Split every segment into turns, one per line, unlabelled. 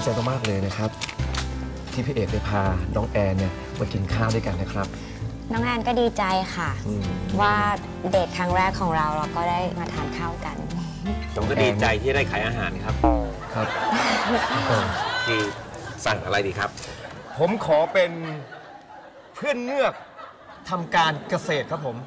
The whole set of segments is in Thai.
ใจมากๆเลยนะครับที่พี่เอกได้พาน้องแอนเนี่ยมากินข้าวด้วยกันนะครับ
น้องแอนก็ดีใจค่ะว่าเดทครั้งแรกของเราก็ได้มาทานข้าวกัน
ผมก็ดีใจที่ได้ขายอาหารครับ
ครับ
ที่สั่งอะไรดีครับ
ผมขอเป็นเพื่อนเงือกทำการเกษตรครับผม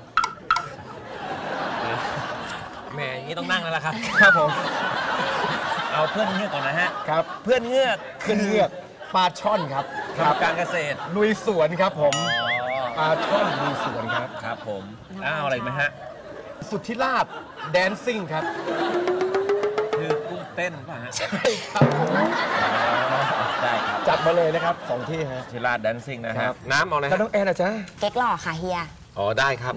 แหมอย่างนี้ต้องนั่งแล้วล่ะครับ
ครับผม
เอาเพื่อนเงือกก่อนนะฮะ
ครับ
เพื่อนเงือก
ปลาช่อนครับ
ทำการเกษตร
ลุยสวนครับผมปลาช่อนลุยสวนครับ
ครับผมเอาอะไรไหมฮะ
สุทธิราชแดนซิ่งครับ
คือกุ้งเต้นป่ะฮะ
ใช่ครับผม
ได้ครับ
จัดมาเลยนะครับ2ที่ฮะ
สุทธิราชแดนซิ่งนะครับน้ำเอาอะไร
แล้วน้องแอนนะจ๊ะ
เก๊กหล่อค่ะเฮีย
อ๋อได้ครับ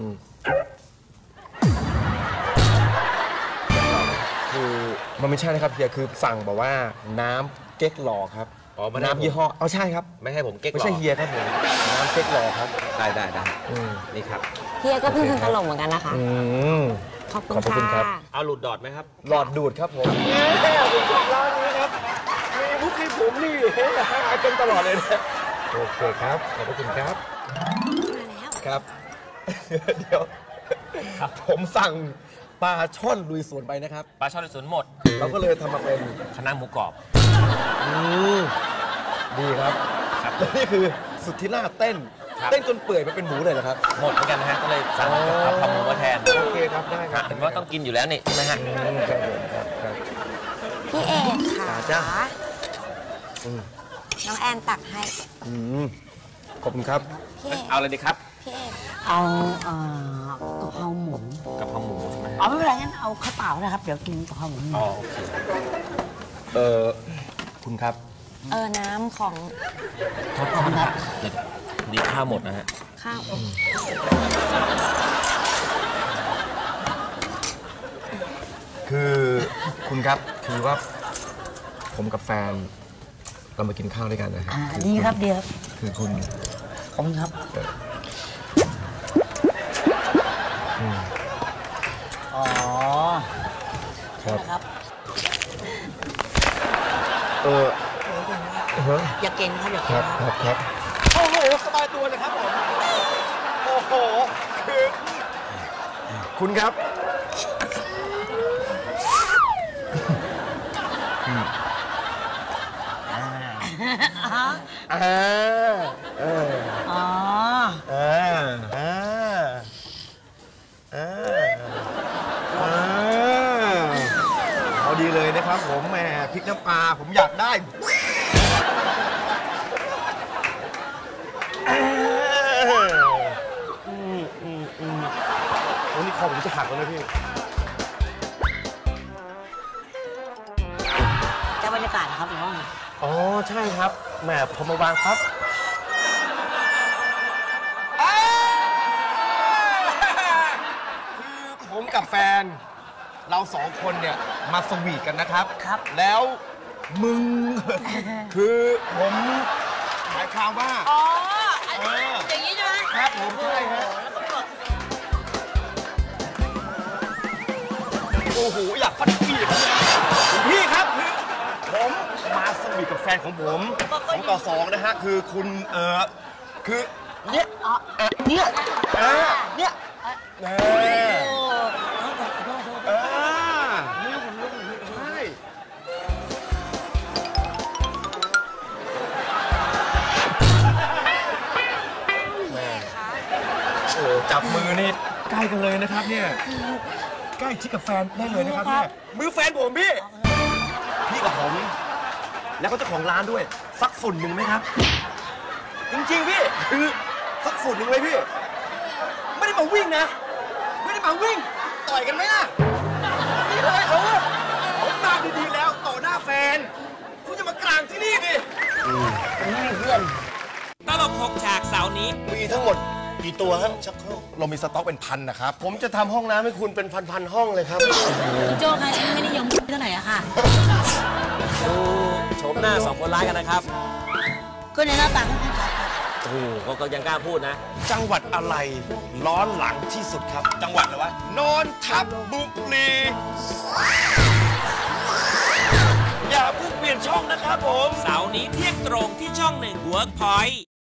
คือมันไม่ใช่นะครับเฮียคือสั่งบอกว่าน้ำเก๊กหล่อครับ
อ๋อ
น้ำยี่ห้อเอาใช่ครับ
ไม่ให้ผมเก๊กหล่อ
ไม่ใช่เฮียครับผมน้ำเก๊กหล่อครับ
ได้นี่ครับ
เฮียก็เพิ่งทำตลกเหมือนกันนะคะขอบคุณครับ
เอาหลุดดอดไหมครับ
หลอดดูดครับผมผมชอบร้านนี้ครับมีมุกให้ผมนี่หากันตลอดเลยนะโอเคครับขอบคุณครับครับเดี๋ยวผมสั่งปลาช่อนลุยสวนไปนะครับ
ปลาช่อนลุยสวนหมด
เราก็เลยทำมาเป็น
คณะหมูกรอบ
ดีครับและนี่คือสุทธิราชเต้นจนเปื่อยมาเป็นหมูเลยเหรอครับ
หมดเหมือนกันนะฮะก็เลยสั่งทำหมูมาแทน
โอเคครับได้ครับ
เห็นว่าต้องกินอยู่แล้วนี่ใช่ไหมฮะ
ครับ
พี่เอกค่ะ
จ้า
น้องแอนตักให้
ขอบคุณครับ
เอาอะไรดีครับ
พี่เอก
เอากะเพราหมู
ใช่ไหม
เอาไม่เป็นไรงั้นเอาข้าวเปล่านะครับเดี๋ยวกินกะเพราหมู
อ๋อโอเค
คุณครับ
น้ำของ
โทษครับดีข้าวหมดนะฮะ
ข้าว
คือคุณครับคือว่าผมกับแฟนเรามากินข้าวด้วยกันนะครับ
ดีครับดีครับ
คือคุณ
ขอบคุณครับอ๋อ
ครับ
อย่าเก่งครับอย่าเก่ง
ครับโอ้โหสบายตัวเลยครับผมโอ้โหคือคุณครับเอาดีเลยนะครับผมแหมพริกน้ำปลาผมอยากได้วันนี้คอผมจะหักแล้วนะพี่
แต่บรรยากาศนะครับน้อง
อ๋อใช่ครับแหมพอมาวางครับคือผมกับแฟนเรา2 คนเนี่ยมาสวีทกันนะครับแล้วมึงคือผมหมายความว่า
อ๋ออย่างนี้ใช่ไหม
ครับผมใช่ฮะโอ้โหอยากฟัดพี่พี่ครับคือผมมาสวีทกับแฟนของผม2 ต่อ 2นะฮะคือคุณคือเนี่ยเนี่ยจับมือนี่ใกล้กันเลยนะครับเนี่ยใกล้ชิดกับแฟนได้เลยนะครับเนี่ยมือแฟนผมพี่กับผมแล้วก็เจ้าของร้านด้วยสักฝุ่นหนึ่งไหมครับจริงๆพี่คือสักฝุ่นหนึ่งเลยพี่ไม่ได้มาวิ่งนะไม่ได้มาวิ่งต่อยกันไหมล่ะนี่เลยผมมาดีๆแล้วต่อหน้าแฟนคุณจะมากลางที่นี่ดิ
เพื่อน
ตลก6 ฉากเสาร์นี้
มีทั้งหมดกี่ตัวครับชักโครกเรามีสต็อกเป็นพันนะครับผมจะทำห้องน้ำให้คุณเป็นพันห้องเลยครับ
โจ้ค่ะฉันไม่นิยมเท่าไหร่อะค่ะ
ดูโฉมหน้า2 คนร้ายกันนะครับ
ก็ในหน้าตา
โอ้โหก็ยังกล้าพูดนะ
จังหวัดอะไรร้อนหลังที่สุดครับจังหวัดอะไรวะนนทบุรีอย่าเพิ่งเปลี่ยนช่องนะครับผม
เสาร์นี้เที่ยงตรงที่ช่อง1 Workpoint